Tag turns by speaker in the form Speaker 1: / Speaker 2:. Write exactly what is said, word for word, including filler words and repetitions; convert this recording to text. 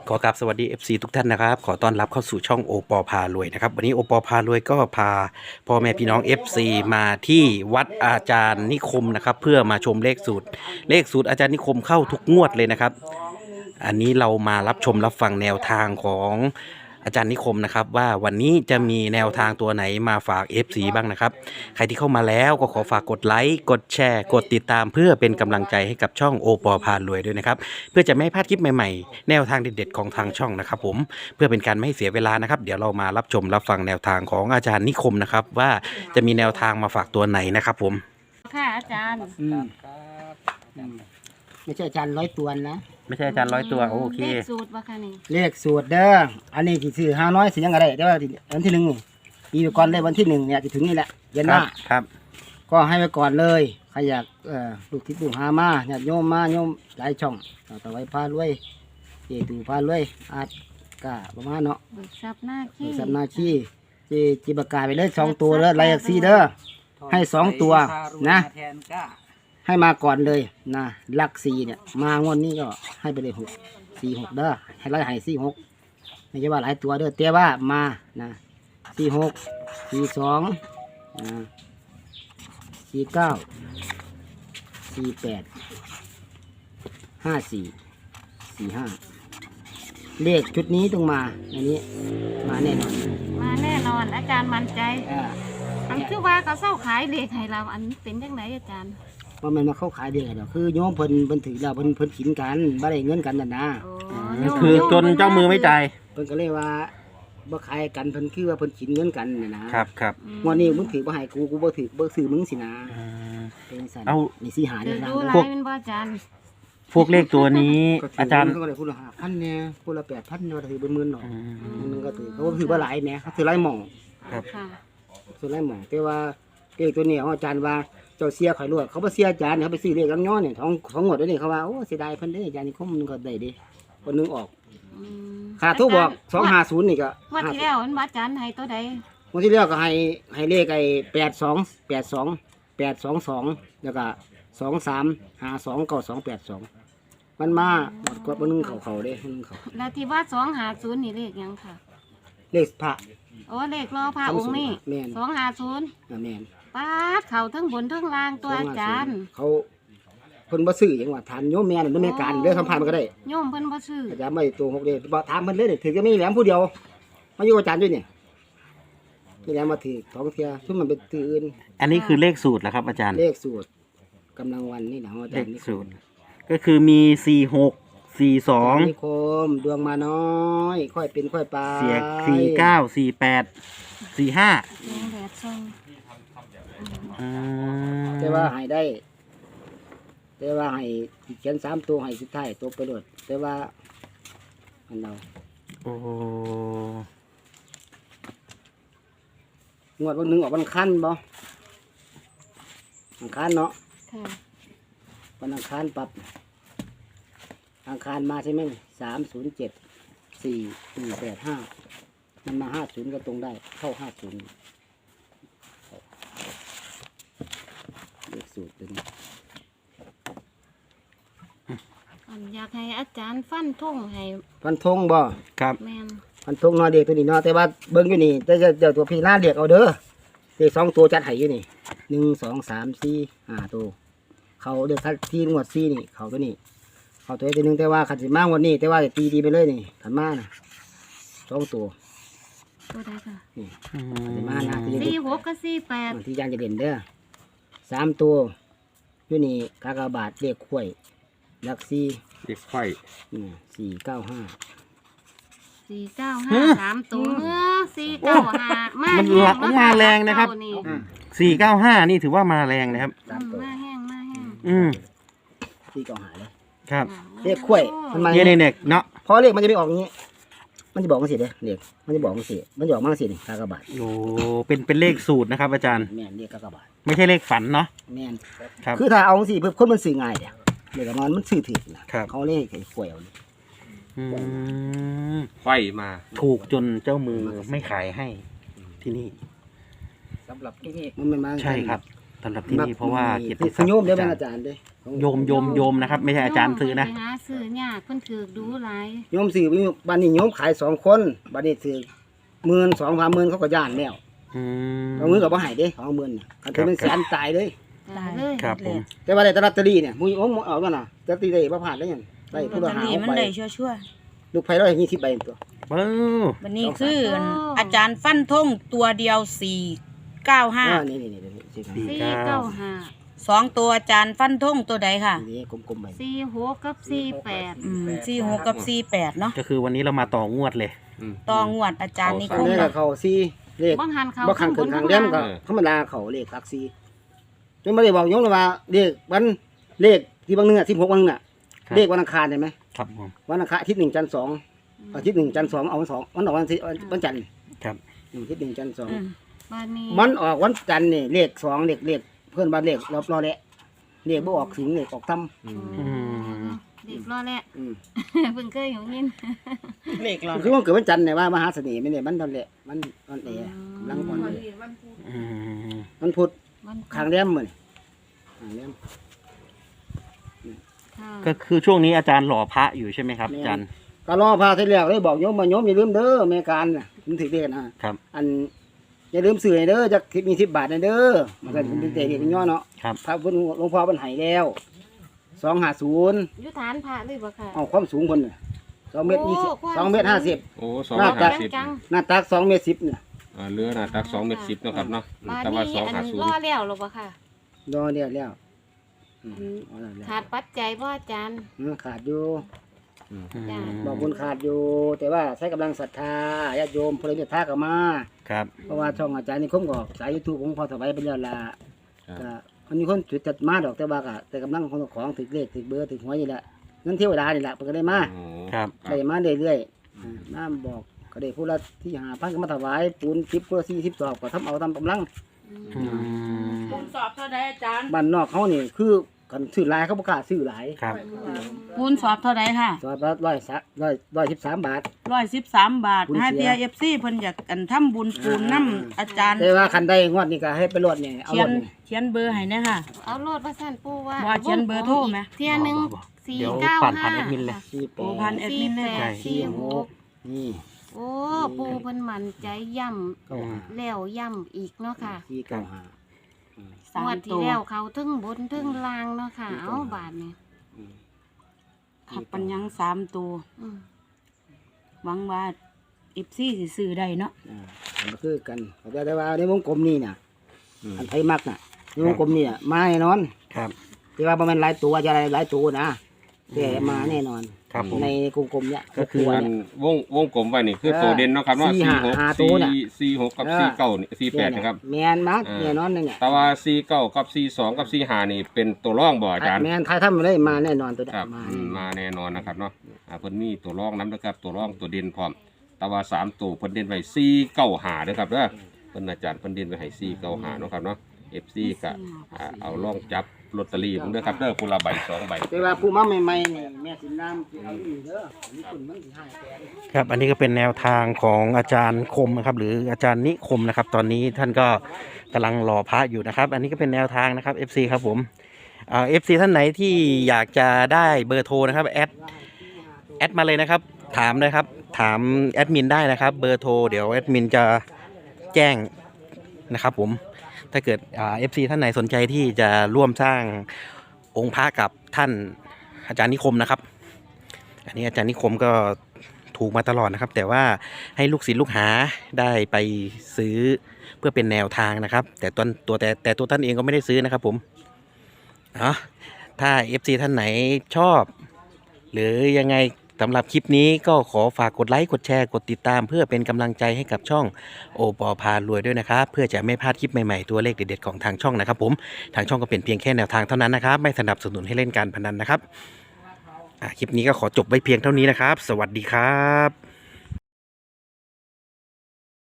Speaker 1: ขอกราบสวัสดี เอฟ ซี ทุกท่านนะครับขอต้อนรับเข้าสู่ช่องโอปอพารวยนะครับวันนี้โอปอพารวยก็พาพ่อแม่พี่น้อง เอฟ ซี มาที่วัดอาจารย์นิคมนะครับเพื่อมาชมเลขสูตรเลขสูตรอาจารย์นิคมเข้าทุกงวดเลยนะครับอันนี้เรามารับชมรับฟังแนวทางของอาจารย์นิคมนะครับว่าวันนี้จะมีแนวทางตัวไหนมาฝาก เอฟ ซี บ้างนะครับใครที่เข้ามาแล้วก็ขอฝากกดไลค์กดแชร์กดติดตามเพื่อเป็นกำลังใจให้กับช่องโอปอพารวยด้วยนะครับเพื่อจะไม่ให้พลาดคลิปใหม่ๆแนวทางเด็ดๆของทางช่องนะครับผมเพื่อเป็นการไม่ให้เสียเวลานะครับเดี๋ยวเรามารับชมรับฟังแนวทางของอาจารย์นิคมนะครับว่าจะมีแนวทางมาฝากตัวไหนนะครับผม
Speaker 2: ค่ะอาจารย์
Speaker 3: อืมอืมไม่ใช่อาจารย์ร้อยตัวนะ
Speaker 1: ไม่ใช่อาจารย์ร้อยตัวโอเค
Speaker 2: เลขสูตรว่าค่ะนี่
Speaker 3: เลขสูตรเด้ออันนี้ที่ซื้อห้าน้อยสิยังไงได้แต่ว่าวันที่หนึ่งนี่ปีก่อนได้วันที่หนึ่งเนี่ยจะถึงนี่แหละเย็นหน้า
Speaker 1: ครับ
Speaker 3: ก็ให้ไว้ก่อนเลยใครอยากเอ่อลูกทิศลูกหามาเนี่ยโยมมาโยมหลายช่องต่อไว้พารวยเจตูพารวยอาจกะประมาณเนาะ
Speaker 2: เบิกทรัพย์หน้าขี้
Speaker 3: สัมนาชีเจจิบกาไปเลยสองตัวเด้อไลซีเด้อให้สองตัวนะให้มาก่อนเลยนะลักสี่เนี่ยมางวดนี้ก็ให้ไปเลยหกสี่หกเด้อให้ไล่ให้สี่หกไม่ใช่ว่าหลายตัวเด้อแต่ว่ามานะสี่หกสี่สองนะสี่เก้าสี่แปดห้าสี่สี่ห้าเลขชุดนี้ต้องมาอันนี้มาแน่นอน
Speaker 2: มาแน่นอนอาจารย์มั่นใจอันคือว่าเขาเศร้าขายเลขให้เราอันเป็นยังไงอาจารย์
Speaker 3: ว่ามันมาเข้าขายเดียวกันคือโยมเพิ่นเพิ่นถือแล้วเพิ่นเพิ่นขินกันบ่ได้เงินกันนั่นนะ
Speaker 1: คือจนเจ้ามือไม่จ่าย
Speaker 3: เพิ่นก็เลยว่าบ่ขายกันเพิ่นคือว่าเพิ่นขินเงินกันน่ะนะครับ
Speaker 1: ครับ
Speaker 3: งวดนี้มึงถือบ่ให้กูกูบ่ถือบ่ซื้อมึงสินะเป็นสั่น
Speaker 1: เอา
Speaker 3: นี่สิหาได้
Speaker 2: แล้วพวกเป็นบ่อาจารย์
Speaker 1: พวกเลขตัวนี้อาจารย์
Speaker 3: เขาก็ได้พูดละห้าพันเนี่ยพูดละแปดพันเนี่ยถือเป็นหมื่นหรอกนึงก็ถือเขาก็ถือว่าหลายเนี่ยเขาถือหลายหม่อง
Speaker 1: ครับ
Speaker 3: ถือหลายหม่องแต่ว่าเลขตัวนี้อาจารย์ว่าเจ้าเสียข่อยรวดเขาไปเสียอาจารย์เขาไปซื้อเลขลังย้อนเนี่ยท้องท้องหมดแล้วนี่เขาว่าโอ้เสียดายเพิ่นได้อาจารย์นี่คมนึงก็ได้ดิคนนึงออกขาดทุกบอกสองห้าศูนย์นี่ก็
Speaker 2: วันที่แล้วมันอาจารย์ให้ตัวใด
Speaker 3: วันที่แล้วก็ให้ให้เลขไอ้แปดสองแปดสองแปดสองสองแล้วก็สองสามห้าสองเก้าสองแปดสองมันมาหมดกดมันนึงเขาเขาเด้มันนึงเขา
Speaker 2: แล้วที่ว่าสองห้าศูนย์นี่เลขยังค่ะ
Speaker 3: เลขพระ
Speaker 2: โอ้เลขรอพระองค์นี่สองห้าศูนย์
Speaker 3: แม่น
Speaker 2: ป้าเขาทั้งบนทั้งล่างตัวอาจารย์
Speaker 3: เขาเพิ่นบ่ซื้อหยังว่าถามโยมแม่นั่นแม่การเด้อสัมภาษณ์มันก็ได้
Speaker 2: โยมเพิ่นบ่ซื้อ
Speaker 3: อาจารย์ไม่ตัวหกเด้บ่ถามเพิ่นเลยถือก็มีแหลมผู้เดียวมาอยู่อาจารย์ด้วยเนี่ยนี่แหลมมาถือสองเที่ยซึ่งมันเป็นถืออื่น
Speaker 1: อันนี้คือเลขสูตรเหรอครับอาจารย์
Speaker 3: เลขสูตรกำลังวันนี่นะอาจารย์
Speaker 1: เลขสูตรก็คือมีสี่หกสี่สอง
Speaker 3: นิคมดวงมาน้อยค่อยเป็นค่อยไป
Speaker 1: เสียสี่เก้าสี่แปดสี่ห้า
Speaker 3: แต่ว่าให้ได้แต่ว่าให้เขียนสามตัวให้สุดท้ายตัวไปโดดแต่ว่าอันเรา
Speaker 1: โอ้
Speaker 3: งวดวันหนึ่งออกวันคันบ่วันคันเนาะวันอังคารปรับอังคารมาใช่ไหมสามศูนย์เจ็ดสี่สี่แปดห้ามันมาห้าศูนย์ก็ตรงได้เข้าห้าศูนย์เลขสูตรเป็น
Speaker 2: อยากให้อาจารย์ฟันธงให้
Speaker 3: ฟันธงบ่
Speaker 1: ครับ
Speaker 2: แม่น
Speaker 3: ฟันธงนอเด็กตัวนี้เนาะแต่ว่าเบิ้งอยู่นี่จะจะเดี๋ยวตัวพี่หน้าเด็กเอาเด้อเด็กสองตัวจัดให้อยู่นี่หนึ่งสองสามสี่ห้าตัวเขาเด็กที่งวดสี่นี่เขาตัวนี้เขาตัวตัวนึงแต่ว่าขันสิมากวันนี้แต่ว่าตีดีไปเลยนี่ขันมานะสองตัว
Speaker 2: ตัวใดค่ะ
Speaker 3: นี่ขันสิมานะ
Speaker 2: สี่หกกับสี่แปด
Speaker 3: ที่ยางจะเด่นเด้อสามตัวอยู่นี่กากบาทเด็กข่วยลักซี่
Speaker 1: เด็กข่วย
Speaker 3: สี่เก้าห้า
Speaker 2: สี่เก้าห้าสามตัวเมื่อสี่เก้าห้ามา
Speaker 1: มันหลักมาแรงนะครับสี่เก้าห้านี่ถือว่ามาแรงนะครับ
Speaker 2: มาแห้งมาแห้ง
Speaker 1: อืม
Speaker 3: สี่เก้าห้าเลย
Speaker 1: ครับ
Speaker 3: เด็กข่วย
Speaker 1: มันมาเด็กเนาะ
Speaker 3: พอเลขมันจะไม่ออกอย่างนี้มันจะบอกมันสิเด้อเด็กมันจะบอกมันสิมันจะออกมันสินี่กากบาท
Speaker 1: โอ้เป็นเป็นเลขสูตรนะครับอาจารย์
Speaker 3: แม่นเลขกากบาท
Speaker 1: ไม่ใช่เลขฝันเนาะ
Speaker 3: แม่นครับคือถ้าเอาสิเพื่อคนมันสื่อง่ายเดี๋ยวเด็กนอนมันสื่อถือนะเขาเลขไอ้ข่วยเอา
Speaker 1: ไฟมาถูกจนเจ้ามือไม่ขายให้ที่นี่
Speaker 3: สำหรับที่นี่มันไม่มา
Speaker 1: ใช่ครับสำหรับที่นี่เพราะว่าเกียรติ
Speaker 3: ที่
Speaker 1: ศักดิ์
Speaker 3: โยมได้ไหม
Speaker 1: อา
Speaker 3: อา
Speaker 1: จารย์
Speaker 3: จารย์เด้
Speaker 1: โยมโยมโยมนะครับ ไม่ใช่อาจารย์ซื้อนะ
Speaker 2: โยมไปหาซื้อยากเพิ่นถือดูหลาย
Speaker 3: โยมซื้อบ้านนี้โยมขายสองคนบ้านนี้ซื้อหมื่นสองพันหมื่นเขาก็ย่านแล้ว
Speaker 1: อืม
Speaker 3: เอามือกับบ่ให้เด้สองหมื่นน่ะคันถือเป็นแสนตายเลย
Speaker 2: ตายเลย
Speaker 1: ครับผม
Speaker 3: แต่ว่าได้แตลอตเตอรี่เนี่ยมุ้ยโอ้เอากันน่ะลอตเตอรี่ได้บ่ผ่านได้หยังได้
Speaker 4: ลอ
Speaker 3: ผู้
Speaker 4: ต
Speaker 3: ละ
Speaker 4: เตอ
Speaker 3: หา
Speaker 4: รี่มัน
Speaker 3: ใบ
Speaker 4: ได้ชั่ว
Speaker 3: ลูกไผร้อยยี่สิบใบตัว
Speaker 1: เบ้อ
Speaker 4: ๆวันนี้คืออาจารย์ฟันธงตัวเดียวสี่เก้าห้า
Speaker 3: อ่านี่นี่นี่นี่สิครับ
Speaker 2: สี่เก้าห้า
Speaker 4: สองตัวอาจารย์ฟันธงตัวใดค่ะ
Speaker 3: นี่กลมๆไป
Speaker 2: สี่หกกับสี่แปด
Speaker 4: อืมสี่หกกับสี่แปดเนาะ
Speaker 1: ก็คือวันนี้เรามาต่องวดเลย
Speaker 4: ต่องวดอาจารย์นิ
Speaker 3: อั
Speaker 4: คน ม
Speaker 3: นี้ก็เข้าสี่เลข
Speaker 2: บางหันเขา
Speaker 3: บ่ขังขึ้นขังเล่มก็ธรรมดาเขาเลขหลักสี่จนบ่ได้บอกโยมเลยว่าเลขวันเลขที่บางนึงอ่ะสิบหกบางนึงอ่ะ
Speaker 1: ครับ
Speaker 3: เลขวันอังคารได้ไหม
Speaker 1: ครับผม
Speaker 3: วันอังคารอาทิตย์หนึ่งจันทร์สองอาทิตย์หนึ่งจันทร์สองเอาวันสองวันออกวันอาทิตย์วันจันทร์
Speaker 1: ครับ
Speaker 3: อาทิตย์หนึ่งจันทร์สอง
Speaker 4: อืม
Speaker 2: บานนี้
Speaker 3: มันออกวันจันทร์นี่เลขสองเลขเลขเพื่อนบ้านเลขรอบรอแหละเลขบ่ออกสิงเลขออกท
Speaker 2: อืมเด็กรอแหละ
Speaker 3: ำอืม
Speaker 2: เพิ่งเคยอยู่ยิน
Speaker 4: เลขเรา
Speaker 3: คือวันเกิดวันจันทร์เนี่ยว่ามหาเสน่ห์ไม่เนี่ยมันตอนแหละมันตอนเอ๋กำลังก่อนเลย
Speaker 1: อืม
Speaker 3: มันพุธ
Speaker 2: มัน
Speaker 3: ขางเลี้ยมมันขางเลี้ยม
Speaker 2: ค่ะ
Speaker 1: ก็คือช่วงนี้อาจารย์หล่อพระอยู่ใช่ไหมครับอาจารย์
Speaker 3: ก็รอพาเสร็จแล้วเลยบอกโยมมาโยมอย่าลืมเด้อแม่การน่ะมันถือเด็นะครับ อันอย่าลืมสื่อให้เด้อจะมีสิบบาทนะเด้อมันก็เป็นเตะเด็กย่อเนาะ
Speaker 1: ครับ
Speaker 3: พระพุทธหลวงพ่อมันใหายแล้วสองห้าศูนย์
Speaker 2: อยุฐานพระเลยบ่ค่ะ
Speaker 3: เอาความสูงคนน่ะสองเมตรยี่สิบ
Speaker 2: โอ้ความ
Speaker 3: สองเมตรห้าสิบ
Speaker 5: โอ้สอง
Speaker 3: น่า
Speaker 5: ร้อย
Speaker 3: จะ
Speaker 5: ห้าสิบ
Speaker 2: จัง
Speaker 3: หน้าตักสองเมตรสิบเนี่ย
Speaker 5: อ่าเรือหนาตักสองเมตรสิบเนาะครับเนาะ
Speaker 2: บาน
Speaker 5: แต่ว่า
Speaker 2: นี้
Speaker 5: สอง
Speaker 2: อัน
Speaker 5: ห้าศูน
Speaker 2: ร
Speaker 5: ย์
Speaker 2: อแล้วหรอบ่ค่ะ
Speaker 3: รอเดียวแล้วอืมเอาแล้วแล้ว
Speaker 2: ขาดปัจจัยบ่อาจารย์
Speaker 3: อืมขาดอยู่
Speaker 1: อืม
Speaker 3: บอกบุญขาดอยู่ แต่ว่าใช้กำลังศรัทธาญาติโยมพลเมืองท่าก็มา
Speaker 1: ครับ
Speaker 3: เพราะว่าช่องอาจารย์นี่คมก็สายยูทูบของพอถวายไปแล้วล่ะ
Speaker 5: ครับ
Speaker 3: ก็มันมีคนจุดจัดมาดอกแต่ว่าก็แต่กำลังของของถึกเลขถึกเบอร์ถึกหวยนี่แหละเงินเทวดานี่แหละเพิ่นก็ได้มา
Speaker 5: โอ้
Speaker 1: ครับ
Speaker 3: ได้มาเรื่อยๆอ่าน้ำบอกก็ได้ผู้ละที่หาพันก็มาถวายปูนสิบผู้ละสี่สิบสอบก็ทำเอาตามกำลัง
Speaker 1: อืม
Speaker 4: คูณสอบเท่าใดอาจารย์
Speaker 3: บ้านนอกเขานี่คือกันซื้อหลายเขาบ่กล้าซื้อหลาย
Speaker 1: ครับ
Speaker 4: คูณสอบเท่าใดค่ะ
Speaker 3: สอบละร้อยสักร้อยร้อยสิบสามบาท
Speaker 4: ร้อยสิบสามบาท
Speaker 3: คูณ
Speaker 4: ให้
Speaker 3: เสี
Speaker 4: เที
Speaker 3: ย
Speaker 4: ยเอฟซีเพิ่นอยากอันทำบุญปูนน้ำอาจารย์
Speaker 3: แต่ว่าคันใดงวดนี้ก็ให้ไปรวดเนี่ยเอา
Speaker 4: เขี
Speaker 3: ร
Speaker 4: ยน
Speaker 3: วดนี่
Speaker 4: เขียนเบอร์ให้เนี่ยค่ะ
Speaker 2: เอาโลดว่าสั่นปู่ว่า
Speaker 4: ว่าเขียนเบอร์โทรไหม
Speaker 2: เที่ยหนึงสี่
Speaker 1: เดี๋ยว
Speaker 2: เก้า
Speaker 1: ผ่าน
Speaker 2: ห้า
Speaker 1: ผ่านแอดมินเลย
Speaker 3: สี่แป
Speaker 4: โอ้พัน
Speaker 3: ด
Speaker 4: แอด
Speaker 2: สี่
Speaker 4: มินเล
Speaker 2: แป
Speaker 4: ย
Speaker 2: ด
Speaker 1: ใช่
Speaker 2: สี่หก
Speaker 3: นี่
Speaker 2: โอ้ปู่เพิ่นมั่นใจย่
Speaker 3: เก้าห้า
Speaker 2: ำแล้วย่ำอีกเนาะค่ะ
Speaker 3: สี่เก้าห้า
Speaker 4: สาง ม
Speaker 2: วดที่
Speaker 4: ตัว
Speaker 2: แล้วเขาทึ่งบนทึ่งล่างเนาะค่ะ เอาบาทนี่
Speaker 3: อืม
Speaker 4: ขับปัญญังสามตัว
Speaker 2: อืม
Speaker 4: หวังว่าเอฟซีสิซื้อได้เนาะ
Speaker 3: อ่ามันก็คือกันแต่แต่ว่าในวงกลมนี่น่ะ
Speaker 5: อืม
Speaker 3: อันไทยมักน่ะในวงกลมนี่น่ะมาแน่นอน
Speaker 1: ครับ
Speaker 3: ที่ว่าบ่แมันหลายตัวจะอะไรหลายตัวนะแต่มาแน่นอน
Speaker 1: ครับผม
Speaker 3: ในกลมกลมๆเนี่ย
Speaker 1: ก็คือ
Speaker 3: ตัว
Speaker 5: อัน
Speaker 3: เนี่ยว
Speaker 5: งวงกลมไว้นี่คือ
Speaker 3: เออ
Speaker 5: ตัวเด่นเนาะครับเนาะ
Speaker 3: สี่
Speaker 5: สี่
Speaker 3: ห้า
Speaker 5: หก
Speaker 3: ห้าตัวน่ะ
Speaker 5: สี่สี่หกกับ
Speaker 3: เออ
Speaker 5: สี่เก้านี่สี่แปดนะครับ
Speaker 3: แมนมัก
Speaker 5: เออ
Speaker 3: แน่นอนเนี่ย
Speaker 5: แต่ว่าสี่เก้ากับสี่สองกับสี่ห้านี่เป็นตัวร่องบ่อาจารย์
Speaker 3: แมนไทยทำมาได้มาแน่นอนตัวเนี้
Speaker 5: ครับ
Speaker 3: มา
Speaker 5: อืมมาแน่นอนนะครับเนาะอ่าเพิ่นมีตัวร่องน้ำนะครับ ตัวร่องตัวเด่นพร้อม แต่ว่าสามตัวเพิ่นเด่นไว้สี่เก้าห้าเด้อครับเด้อเพิ่นอาจารย์เพิ่นเด่นไว้ให้สี่เก้าห้าเนาะครับเนาะ เอฟ ซี ก็อ่าเอาล่องจับลอตเตอรี่ผมเด้อครับเด้อคนละใบสองใบ
Speaker 3: แต่ว่าผู้มาใหม่ๆนี่แม่สินน้ำสิเอาอีกเด้ออันนี้คุณมันสิให้แสน
Speaker 1: ครับ อันนี้ก็เป็นแนวทางของอาจารย์คมนะครับ หรืออาจารย์นิคมนะครับ ตอนนี้ท่านก็กำลังรอพระอยู่นะครับ อันนี้ก็เป็นแนวทางนะครับ เอฟ ซี ครับผมเอ่อฟซีท่านไหนที่อยากจะได้เบอร์โทรนะครับแอดแอดมาเลยนะครับ ถามเลยครับ ถามแอดมินได้นะครับ เบอร์โทรเดี๋ยวแอดมินจะแจ้งนะครับผม ถ้าเกิดเอฟซีท่านไหนสนใจที่จะร่วมสร้างองค์พระกับท่านอาจารย์นิคมนะครับ อันนี้อาจารย์นิคมก็ถูกมาตลอดนะครับ แต่ว่าให้ลูกศิษย์ลูกหาได้ไปซื้อเพื่อเป็นแนวทางนะครับ แต่ตัวตัวแต่แต่ตัวท่านเองก็ไม่ได้ซื้อนะครับผมเนาะถ้า เอฟ ซี ท่านไหนชอบ หรือยังไงสำหรับคลิปนี้ก็ขอฝากกดไลค์กดแชร์กดติดตาม เพื่อเป็นกำลังใจให้กับช่องโอปอพารวยด้วยนะครับ เพื่อจะไม่พลาดคลิปใหม่ๆตัวเลขเด็ดๆของทางช่องนะครับผมทางช่องก็เป็นเพียงแค่แนวทางเท่านั้นนะครับไม่สนับสนุนให้เล่นการพนันนะครับอ่ะคลิปนี้ก็ขอจบไว้เพียงเท่านี้นะครับ สวัสดีครับ